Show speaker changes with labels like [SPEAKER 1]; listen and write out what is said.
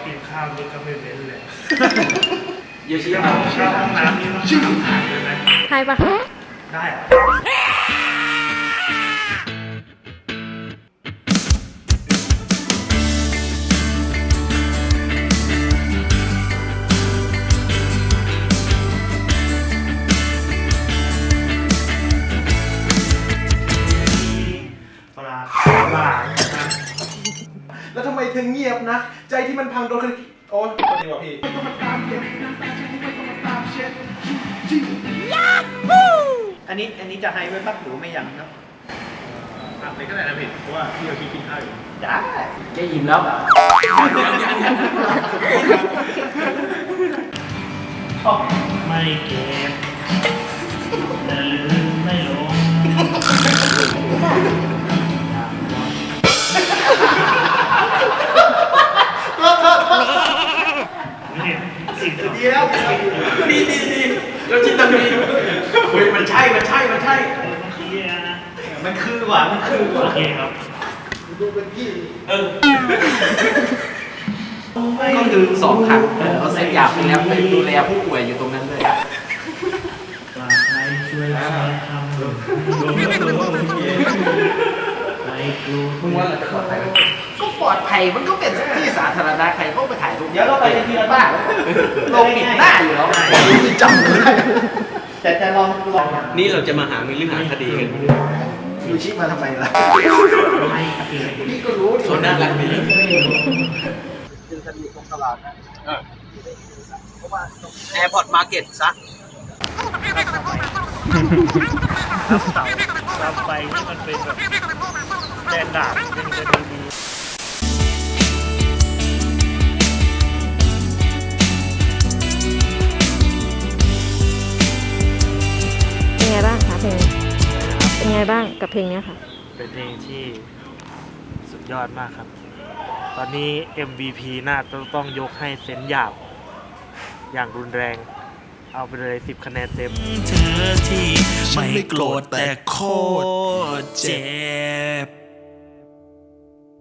[SPEAKER 1] กินข้าวนี่ก็ไม่เว้นเลย
[SPEAKER 2] เยอะชิ
[SPEAKER 1] เข้า
[SPEAKER 2] มา
[SPEAKER 1] ห้องน้ำนี่ต้องทานเลยไหม
[SPEAKER 3] ใช่ปะ
[SPEAKER 1] ได้อะปลาปลานะครับ
[SPEAKER 4] แล้วทำไมเธอเงียบนะ ใจที่มันพังโดนคนโอ้ยพอดีว่ะพี่
[SPEAKER 2] อันนี้จะให้ไว้ปั๊บหรือไม่ยังครับ
[SPEAKER 1] ผักเลยก็ได้นะพี่เพราะว่าพี่เรากินข้าวอยู่
[SPEAKER 2] ได้แกยิ้มแล้ว
[SPEAKER 1] ไม่เก็บแต่ลืมไม่ลงนี่สิ่งที่
[SPEAKER 2] ดีแล้วดีเราจินตนาเฮ้ยมันใช่มัน
[SPEAKER 1] มัน
[SPEAKER 2] คือ
[SPEAKER 1] นะ
[SPEAKER 2] มันคือว่ะ
[SPEAKER 1] โอเคครับ
[SPEAKER 4] ดูเป็นพี่
[SPEAKER 2] ก็คือ2 ครั้งเราเซ็ตยาไปแล้วไปดูแลผู้ป่วยอยู่ตรงนั้นเลย
[SPEAKER 1] ปลาไทยช่วยทำไม่กลัว
[SPEAKER 2] มึงว่าเราจะปลอดภัยไหมก็ปลอดภัยมันก็เป็นที่สาธารณะใครก็ไปถ่ายรูปเดี๋ยวเราไปทีละบ้านเราปิดหน้าอยู่แล้วจำไม่ได้แต่จะลอง
[SPEAKER 5] นี่เราจะมาหาหรือหาคดีกัน
[SPEAKER 2] ยูชิมาทำไมล่ะ
[SPEAKER 1] ไม่เก็บ
[SPEAKER 2] พี่ก็รู้
[SPEAKER 5] เขาน่ารักดี แอร์พอร์ตมาร์เก็ตซะ
[SPEAKER 1] รับเสารับไฟที่มันเป็นแบบแดนดาบเป็นจะดี
[SPEAKER 3] เป็นไงบ้างคะเพลงเป็นไงบ้างกับเพลงเนี้ยค่ะ
[SPEAKER 1] เป็นเพลงที่สุดยอดมากครับ ตอนนี้ MVP น่าต้องยกให้เซนหยาบอย่างรุนแรง เอาไปเลย10 คะแนนเต็ม
[SPEAKER 6] เธอที่ไม่โกรธแต่โคตรเจ็บ